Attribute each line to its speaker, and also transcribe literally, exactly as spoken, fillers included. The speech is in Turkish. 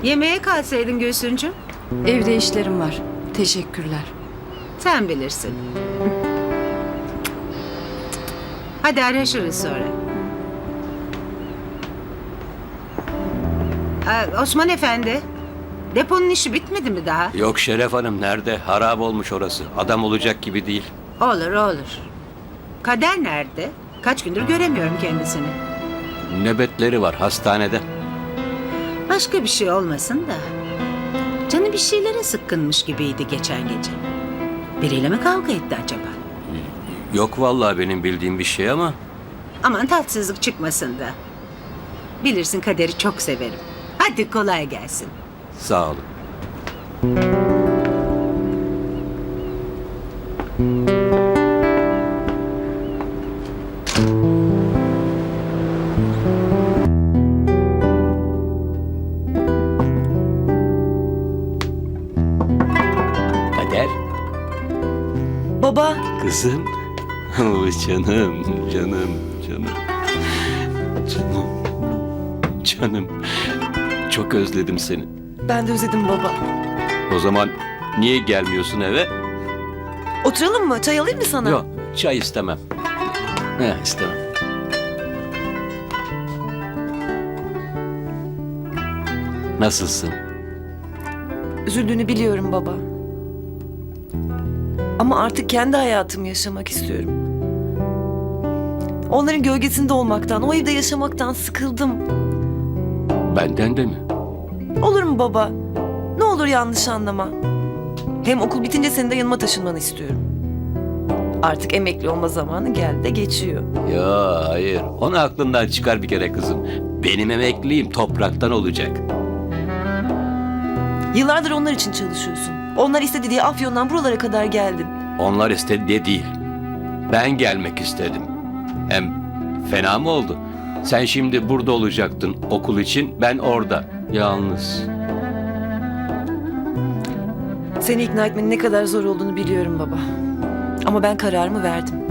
Speaker 1: Yemeğe kalsaydın Gülsüncüm.
Speaker 2: Evde işlerim var. Teşekkürler.
Speaker 1: Sen bilirsin. Hadi araşırız sonra. Aa, Osman Efendi, deponun işi bitmedi mi daha?
Speaker 3: Yok Şeref Hanım, nerede? Harap olmuş orası. Adam olacak gibi değil.
Speaker 1: Olur olur. Kader nerede? Kaç gündür göremiyorum kendisini.
Speaker 3: Nöbetleri var hastanede.
Speaker 1: Başka bir şey olmasın da. Canı bir şeylere sıkkınmış gibiydi geçen gece. Biriyle mi kavga etti acaba?
Speaker 3: Yok vallahi benim bildiğim bir şey ama
Speaker 1: Aman tatsızlık çıkmasın da. Bilirsin Kader'i çok severim. Hadi kolay gelsin.
Speaker 3: sağ olun. Kader,
Speaker 2: Baba,
Speaker 3: kızım. Oh, canım, canım, canım. Canım, canım. Çok özledim seni.
Speaker 2: ben de özledim baba.
Speaker 3: O zaman niye gelmiyorsun eve?
Speaker 2: Oturalım mı? Çay alayım mı sana?
Speaker 3: Yok, çay istemem. He, istemem. Nasılsın?
Speaker 2: Üzüldüğünü biliyorum baba. Ama artık kendi hayatımı yaşamak istiyorum. Onların gölgesinde olmaktan, o evde yaşamaktan sıkıldım.
Speaker 3: Benden de mi?
Speaker 2: Olur mu baba? Ne olur yanlış anlama. Hem okul bitince senin de yanıma taşınmanı istiyorum. Artık emekli olma zamanı geldi de geçiyor.
Speaker 3: Ya hayır. Onu aklından çıkar bir kere kızım. Benim emekliliğim topraktan olacak.
Speaker 2: Yıllardır onlar için çalışıyorsun. Onlar istedi diye Afyon'dan buralara kadar geldin.
Speaker 3: Onlar istedi diye değil. Ben gelmek istedim. Hem fena mı oldu? Sen şimdi burada olacaktın okul için, ben orada. Yalnız.
Speaker 2: Seni ikna etmenin ne kadar zor olduğunu biliyorum baba. Ama ben kararımı verdim.